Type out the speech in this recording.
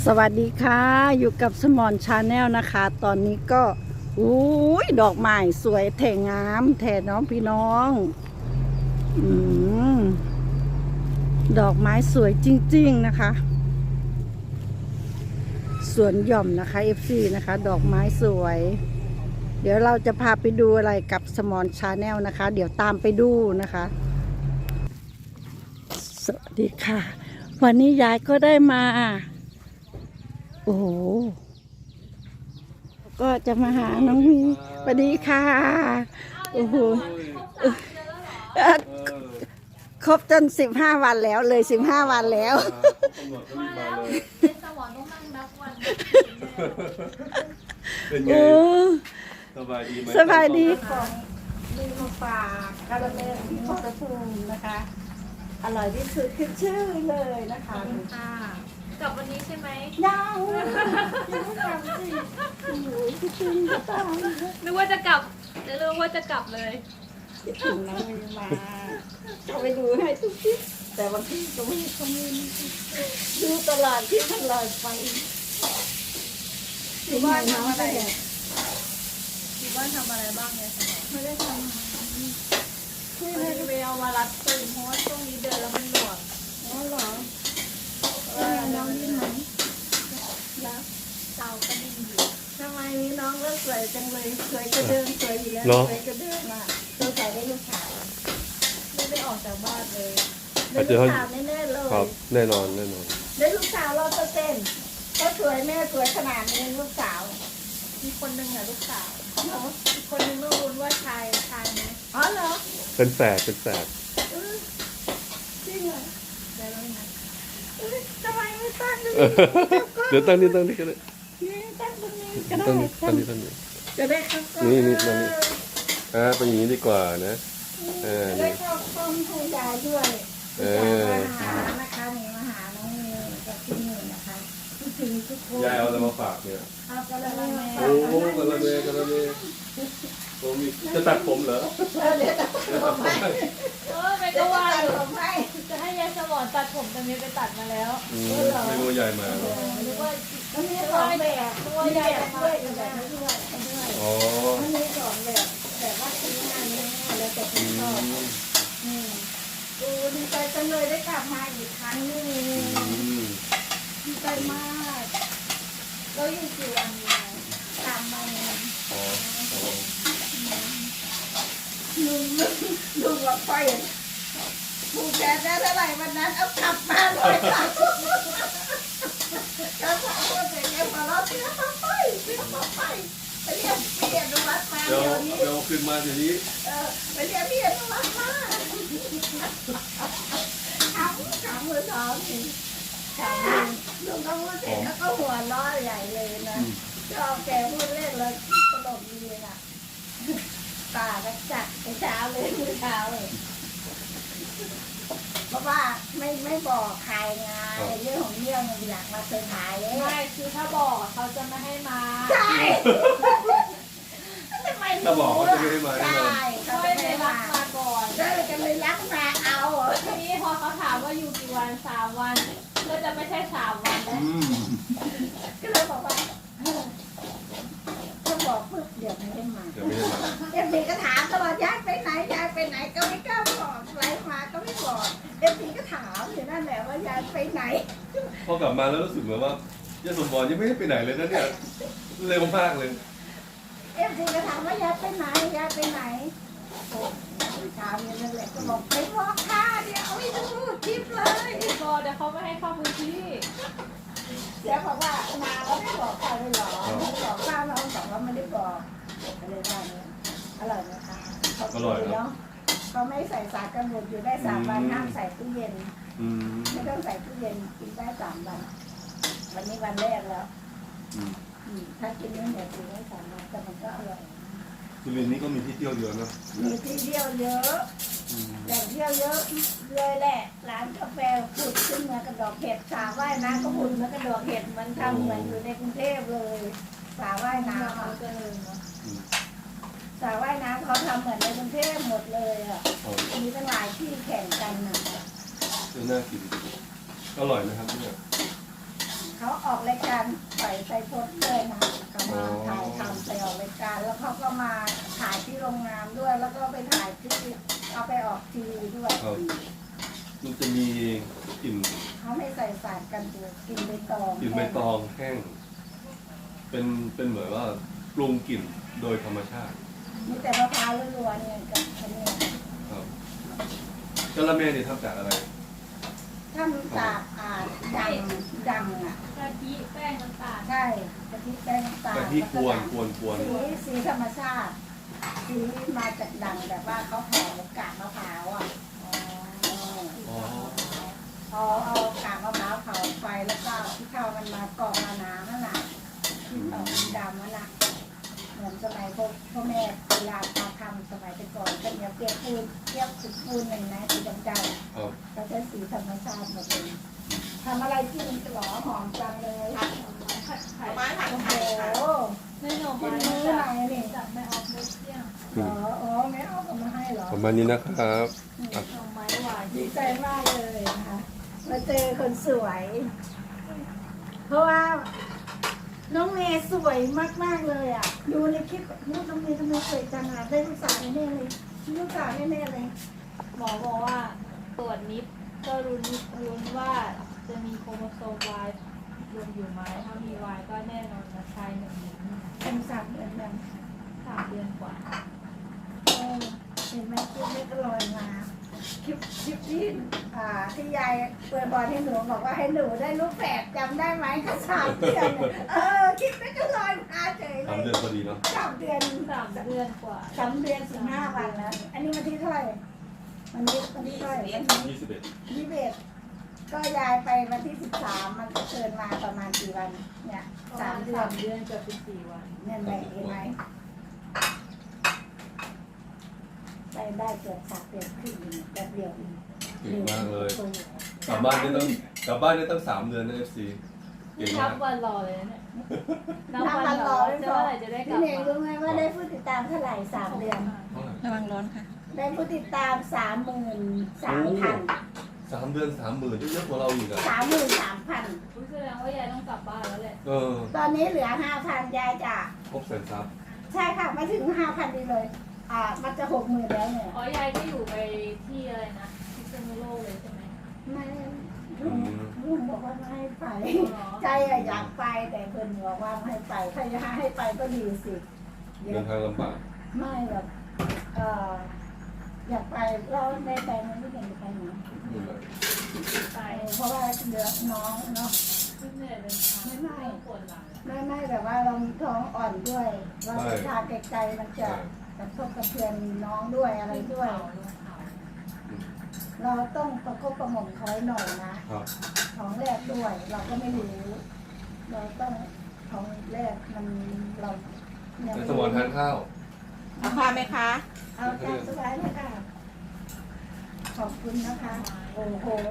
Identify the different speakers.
Speaker 1: สวัสดีค่ะอยู่กับสมอนชาแนลนะคะตอนนี้ก็อุ้ยดอกไม้สวยแถงามแถน้องพี่น้องดอกไม้สวยจริงๆนะคะสวนหย่อมนะคะ FC นะคะดอกไม้สวยเดี๋ยวเราจะพาไปดูอะไรกับสมอนชาแนลนะคะเดี๋ยวตามไปดูนะคะสวัสดีค่ะวันนี้ยายก็ได้มาโอ้โหก็จะมาหาน้องมีสวัสดีค่ะโอ้โหครบจน15 วันแล้วเลย15 วันแล้ว
Speaker 2: เป็นไงสบายดีไหม
Speaker 1: สบายดีของมีมาฝากคาราเมลที่ขอบคุณนะคะอร่อยที่สุดขึ้นชื่อเลยนะคะ
Speaker 3: กลับวันนี้ใช่ไหม
Speaker 1: ยังไม่กลับสิโอ้ยคิดถึงจะตาย
Speaker 3: นึกว่าจะกลับจะรู้ว่าจะกลับเลย
Speaker 1: คิดถึงน้องมีมาเขาไปดูให้ทุกทีแต่บางทีก็ไม่คอมเมนต์ดูตลอดที่ตลอดไป
Speaker 3: อยู่บ้านทำอะไรอยู่บ้านทำอะไรบ้างเนี่ยสมอง
Speaker 1: ไม่ได้ทำ
Speaker 3: คือเลยไปเอามารัดตึงเพราะว่าช่วงนี้เดินแล้วมันหน่วง
Speaker 1: อ๋อเหรอน้องนี่ไหมแล้ว
Speaker 3: เตาก็ดิ้นอยู่
Speaker 1: ทำไมน้องก็สวยจังเลยสวยกระเดิมสวยอยู่แล้วสวยกระเดิมอ่ะตัวใส่ได้ลูกสาว
Speaker 3: ไม่ได้ออกจากบ้านเลย
Speaker 1: ได้ลูกสาวแน่ๆเลย
Speaker 2: ครับแน่นอน
Speaker 1: ได้ลูกสาว100%ก็สวยแม่สวยขนาดนี้ลูกสาว
Speaker 3: มีคนหนึ่งอะลูกสาวอีกคนหนึ่งต้องรุ้นว่าชายไหม
Speaker 1: อ๋อเหรอ
Speaker 2: เป็นแฝด
Speaker 1: จริงเหรอ
Speaker 3: ได้แล้วนะ
Speaker 1: ทำไมไม่ตั้งตรง
Speaker 2: เดี๋ยวตั้งนี่ก็ได้
Speaker 1: นี้ตั้งตรงนี้ก็ได้
Speaker 2: ตั้งนี่
Speaker 1: จะได้เข้ากล้อง
Speaker 2: นี่ตั้งนี่เป็นอย่างนี้ดีกว่านะ
Speaker 1: จะได้เข้ากล้องให้ยายด้วยมาหานะคะนี่มาหาน้องเมย์กับพี่หนึ่งนะคะคิดถึงทุกคน
Speaker 2: ยายเอาอะไรมาฝากเนี่ย
Speaker 1: เอากระมังแม่
Speaker 2: โอ้กระเมผมมีจะตัดผมเหรอ
Speaker 1: เดี๋ยวจะผมให้
Speaker 3: ไป
Speaker 1: เดี๋
Speaker 3: ก็
Speaker 1: ยว
Speaker 3: ว่า
Speaker 1: จะ
Speaker 3: อยู่
Speaker 1: ผมให้
Speaker 3: จะให้ยายสมอนตัดผมแต่เมย์ไปตัดมาแล้ว
Speaker 2: ไม่รู้ยายมา
Speaker 3: นึกว่า
Speaker 1: มันมีสองแบบมีแบบด้วยกับแบบไม่ด้วย
Speaker 2: อ๋อ
Speaker 1: มันมีสองแบบแบบว่าซื้องานนี้แล้วแต่คุณชอบดูดีใจจังเลยได้กลับมาอีกครั้งนึงดีใจมาก
Speaker 3: เราอยู่กี่วันอยู่
Speaker 1: 3 วัน
Speaker 2: อ๋อ
Speaker 1: ลุงบอกไปผูกแขนได้เท่าไหร่วันนั้นเอากลับมาเลยค่ะก็ถามว่าเป็นไงพอเราเสียไปไปเรียนวัดมา
Speaker 2: เดี๋ยว
Speaker 1: เดี๋ยวนี้
Speaker 2: เดี๋ยวขึ้นมาทีนี้
Speaker 1: ไปเรียนพี่อนุวัฒน์มาขำมือท้องนี่ขำลุงก็พูดเสร็จแล้วก็หัวล้อใหญ่เลยนะชอบแกพูดเล่นเลยตลกดีเลยนะป่าก็จัดเช้าเลยมื้อเช้าเลยเพราะว่าไม่บอกใครไงเรื่องของเรื่องมันอยากมาเซอร์ไพรส์
Speaker 3: ไม่คือถ้าบอกเขาจะไม่ให้มา
Speaker 1: ใช่ทำไม
Speaker 2: ถ้าบอกเขาจะไม่ให้มาแน่นอน
Speaker 1: ใช่เขา
Speaker 3: ไม่
Speaker 1: จะไม่
Speaker 3: ได้
Speaker 1: ให้
Speaker 3: รั
Speaker 1: มา
Speaker 3: กมาก่อน
Speaker 1: จะเลยรักมาเอา
Speaker 3: ทีนี้พอเขาถามว่าอยู่กี่วัน3 วันก็จะไม่ใช่3 วันแล้ว
Speaker 1: ก็เลยบอกว่าถ้าบอกปุ๊บเดี๋ยวไม่ให้มา
Speaker 2: จะไม่ให้มา
Speaker 1: เอฟซีก็ถามตลอดยายไปไหนก็ไม่กล้าบอกไลฟ์มาก็ไม่บอกเอฟซีก็ถามอยู่นั่นแหละว่ายายไปไหน
Speaker 2: พอกลับมาแล้วรู้สึกเหมือนว่ายาสมบอลยังไม่ได้ไปไหนเลยนะเนี่ยเร็วมากเลย
Speaker 1: เอฟซีก็ถามว่ายายไปไหนโอ้ถามอย่างนั้นแหละก็บอกไปบอกค่ะเดี๋ยวเอาไปดูคลิปเลย
Speaker 3: ก็เดี๋ยวเขาไม่ให้เข้าพื้นที่
Speaker 1: เดี๋ยวบอกว่ามาแล้วไม่บอกใครเลยเหรอไม่บอกป้าเราบอกว่าไม่ได้บอกอะไรบ้างเนี่ยอร่อยไหมคะเนาะเขาไม่ใส่สารกันบูดอยู่ได้3 วันห้ามใส่ตู้เย็นไม่ต้องใส่ตู้เย็นกินได้3 วันวันนี้วันแรกแล้วถ้ากินไม่เหนียวกินได้3 วันแต่มันก็อร่อย
Speaker 2: สุรินทร์นี่ก็มีที่เที่ยวเยอะนะ
Speaker 1: มีที่เที่ยวเยอะแหล่งเที่ยวเยอะเลยแหละร้านกาแฟผุดขึ้นมากระดอกเห็ดสระว่ายน้ำก็ผุดมากระดอกเห็ดมันทำเหมือนอยู่ในกรุงเทพเลยสระว่ายน้ำ
Speaker 3: เขาจะเลยเนาะ
Speaker 1: สระว่ายน้ำเขาทำเหมือนในกรุงเทพหมดเลยอ่ะ
Speaker 2: อ๋อ
Speaker 1: มีตั้งหลายที่แข่งกันนะ
Speaker 2: น่ากินอร่อยนะครับเนี่ย
Speaker 1: เขาออกรายการปล่อยไซโพสด้วยนะเขามาถ่ายทำไปออกรายการ แล้วเขาก็มาถ่ายที่โรงงานด้วย แล้วก็ไปถ่ายที่เอาไปออกทีวีด้วย
Speaker 2: มันจะมีกลิ่น
Speaker 1: เขาไม่ใส่สารกันบูดกินใบตอง
Speaker 2: กลิ่นใบตองแห้งเป็นเหมือนว่าปรุงกลิ่นโดยธรรมชาติ
Speaker 1: มีแต่มะพร้าวล้วนๆเนี่ยกับอันนี้
Speaker 2: ครับกะละแมนี่ทำจากอะไร
Speaker 1: ถ้ามันจากดังอ่ะ
Speaker 3: กะทิแป้งน้ำตาล
Speaker 1: ใช่กะทิแป้งน้ำตาล
Speaker 2: กะทิกวนกวน
Speaker 1: สีธรรมชาติสีมาจากดังแบบว่าเขาห่อกากมะพร้าวอ่ะ
Speaker 2: อ๋อ
Speaker 1: เอากากมะพร้าวเผาไฟแล้วก็ที่เข้ามันมากรอกมาน้ำนั่นแหละที่ออกดำนั่นแหละเหมือนสมัยพ่อแม่เวลาเขาทำสมัยแต่ก่อนก็เนี่ยเปียกปูนเปียกสุดปูนหนึ่งนะสีดำ
Speaker 2: ครับ
Speaker 1: ๆก็จะสีธรรมชาติหมดเลยทำอะไรกินหรอหอมจังเลย
Speaker 3: ผัดไข่
Speaker 1: โอ้โห
Speaker 3: ไม่หน่อ
Speaker 1: กิ
Speaker 3: ไม้
Speaker 1: นมื้อไหนนี่
Speaker 3: จากแม่ออฟมุกเที่ยง
Speaker 1: เหรออ๋อไม่เอากลับมาให้เหรอ
Speaker 2: ประมาณนี้นะครับ
Speaker 3: หน่อไม้หวาน
Speaker 1: ดีใจมากเลยนะคะมาเจอคนสวย เพราะว่าน้องเมย์สวยมากๆเลยอ่ะ ดูในคลิปน้องเมย์ทำไมสวยจังอ่ะได้ลูกสาวแน่ๆเลยลูกสาวแน่ๆเลย
Speaker 3: หมอบอกว่าตรวจนิดก็รุ้นว่าจะมีโครโมโซม Y รวมอยู่ไหมถ้ามี Y ก็แน่นอนนะชายหนึ่งหญิง
Speaker 1: เป็นสามเดือนยัง
Speaker 3: 3 เดือนกว่า
Speaker 1: เห็นไหมคลิปนี้ก็ลอยมาคลิปที่ที่ยายเปิดบอลให้หนูบอกว่าให้หนูได้ลูกแฝดจำได้ไหมก็3 เดือนคลิปนี้ก็ลอยมาเฉยเล
Speaker 2: 3
Speaker 1: ย
Speaker 2: เดือนพอดีเนาะ
Speaker 1: 3 เดือน
Speaker 3: 3 เดือนกว่า
Speaker 1: 3 เดือน15 วันแล้ว อันนี้วันที่เท่าไหร่วันนี้เท่าไหร่วันนี้
Speaker 2: 21
Speaker 1: 21ก็ยายไปวันที่13มันก็เกินมาประมาณกี่วันเนี่ย3 เดือน
Speaker 3: 3 เดือนเกือบ14 วัน
Speaker 1: เนี่ยแหละเห็นไหมได้เกือบ3 เดือนครึ่งแบบเดียวเอง
Speaker 2: เก่งมากเลย กลับบ้านได้ตั้ง3 เดือนนะ FC เก่ง
Speaker 3: นั
Speaker 2: มา
Speaker 3: บ
Speaker 2: ก
Speaker 3: วันรอเลยนะเนี่ยนับ
Speaker 1: น้ำ
Speaker 3: วั
Speaker 1: มัน น
Speaker 3: ร
Speaker 1: ร
Speaker 3: อ
Speaker 1: อ
Speaker 3: จะเมื่อไหร่จะได้กลั
Speaker 1: พี่
Speaker 3: บ
Speaker 1: เน่ง
Speaker 3: มา
Speaker 1: รู้ไหมว่าได้ผู้ติดตามเท่าไหร่3 เดือน
Speaker 2: เท่าไหร่
Speaker 4: ระวังร้อนค่ะ
Speaker 1: ได้ผู้ติดตาม 33,000
Speaker 2: 3 เดือน 30,000เยอะกว่าเราอีกอ่ะ
Speaker 1: 33,000
Speaker 3: รู้แสดงว่ายายต้องกลับบ้านแล้วแหละ
Speaker 1: ตอนนี้เหลือ 5,000 ยายจะ
Speaker 2: ครบแสนซับ
Speaker 1: ใช่ค่ะไม่ถึง 5,000ดีเลย มันจะ60,000แล้วเนี่ย
Speaker 3: อ๋อยายก็อยู่ไปที่อะไรนะพิษณุโลกเลยใช่ไหม
Speaker 1: ไม่ลุงบอกว่าไม่ให้ไป
Speaker 3: อ๋อ
Speaker 1: ใจอะอยากไปแต่เพิ่นบอกว่าไม่ให้ไปถ้าจะให้ไปก็ดีสิ
Speaker 2: เดินทางลำบาก
Speaker 1: ไม่แบบอยากไปเราในใจมันไม่อยากจะไปไหน
Speaker 3: ไป
Speaker 1: เพราะว่าเดือน้องเนาะ
Speaker 3: ขึ้นเหนื่อยเป็นทาง
Speaker 1: ไม่
Speaker 3: ปวดหลัง
Speaker 1: ไม่แบบว่าเราท้องอ่อนด้วย เราไปทานไกลๆมันจะกระทบกระเทือนน้องด้วยอะไรด้วย เราต้องประคบประหม่อมคอยหน่อยนะครับ ท้องแรกด้วย เราก็ไม่รู้เราต้องท้องแรกมันเรายัง
Speaker 2: ใน
Speaker 1: ไม่
Speaker 2: สมองทานข้าว
Speaker 4: เอาข้าวไหมคะ
Speaker 1: เอาตามสบายเลยค่ะขอบคุณนะคะ โอ้โห